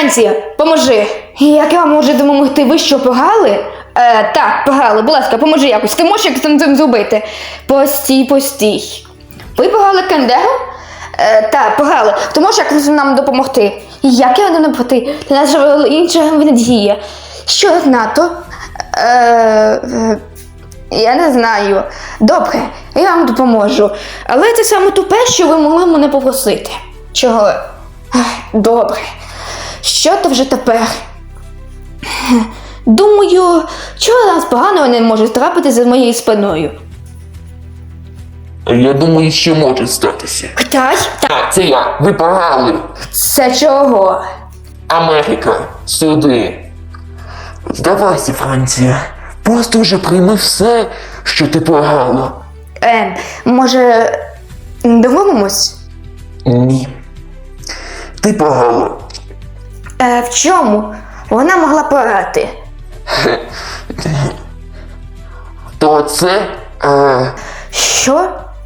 Франція, поможи. Як я вам можу допомогти? Ви що, погали? Так, погали. Будь ласка, поможи якось. Ти можеш якось цим зробити? Постій. Ви погали Кендегу? Так, погали. Ти можеш якось нам допомогти? Як я вам допомогти? Для нас же інша надія. Що НАТО? Я не знаю. Добре, я вам допоможу. Але це саме тупе, що ви могли мене попросити. Чого? Добре. Що то вже тепер? Думаю, чого нас поганого не може трапити за моєю спиною? Я думаю, що може статися. Китай? Так, це я. Ви погали. Це чого? Америка, сюди. Здавайся, Франція. Просто вже прийми все, що ти погала. Може, домовимось? Ні. Ти погала. В чому? Вона могла порати. То це, Що?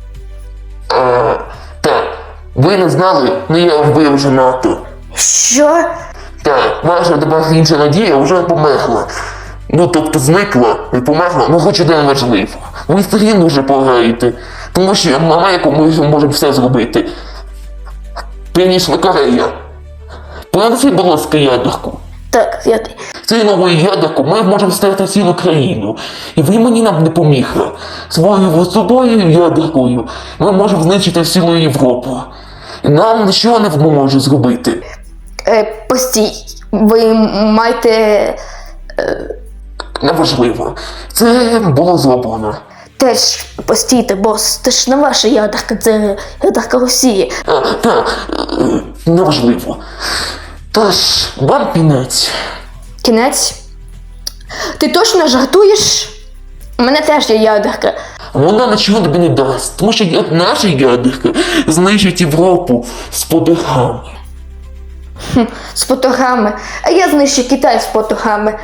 так, ви не знали, але я вбив вже НАТО. Що? Так, ваша тепер інша надія вже померла. Ну, тобто зникла і померла, ну хоч один важливо. Ви все рівно вже погаєте, тому що на Америку ми можемо все зробити. Північна Корея. Принеси, будь ласка, ядерку. Так, я... Цією новою ядерку ми можемо стати цілу країну. І ви мені нам не помігли. Своєю собою ядеркою ми можемо знищити всю Європу. І нам нічого не може зробити. Постій, ви маєте... Неважливо. Це було зроблено. Теж постійте, бос, це ж не ваша ядерка, це ядерка Росії. Так, неважливо. Тож, вам кінець. Кінець? Ти точно жартуєш? У мене теж є ядерка. Вона нічого тобі не дасть, тому що наша ядерка знищить Європу з подихами. З потогами. А я знищу Китай з потогами.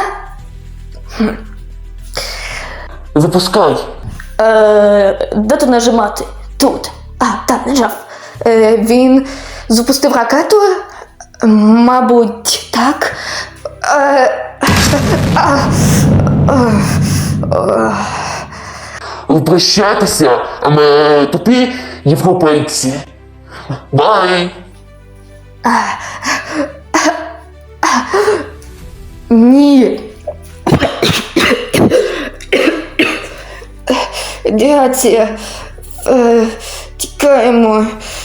Запускай. Де тут нажимати? Тут. Так, нажав. Він запустив ракету? Мабуть, так. Прощайтеся, а ми тупі європейці. Бай! Ні. Грація. Тікаємо.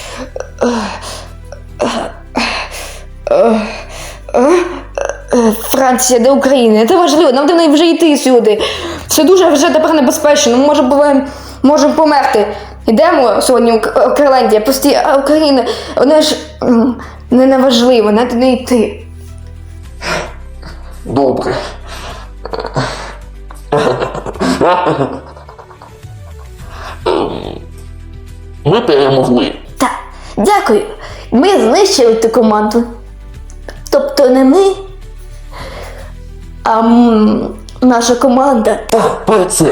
Франція, де Україна? Це важливо, нам треба вже йти сюди. Це дуже вже тепер небезпечно, ми можемо померти. Йдемо сьогодні у Кирландія, а Україна, вона ж не важливо, треба не йти. Добре. Ми перемогли. Так, дякую. Ми знищили ту команду. Тобто не ми, а наша команда. Так, про це.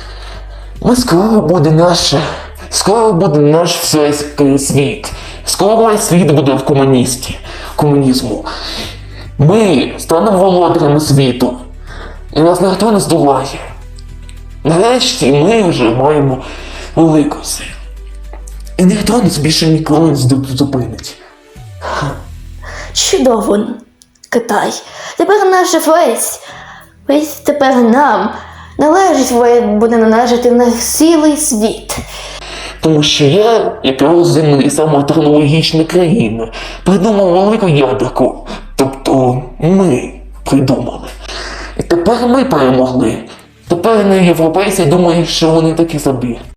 Скоро буде наш світ. Скоро світ буде в комунізму. Ми станемо володарями світу. І нас ніхто не здолає. Нарешті ми вже маємо велику силу. І ніхто нас більше ніколи не зупинить. Чудово, Китай. Тепер наша весь тепер нам буде належати на цілий світ. Тому що я, як розумна і сама технологічна країна, придумав велику ядерку. Тобто ми придумали. І тепер ми перемогли. Тепер європейці думають, що вони такі собі.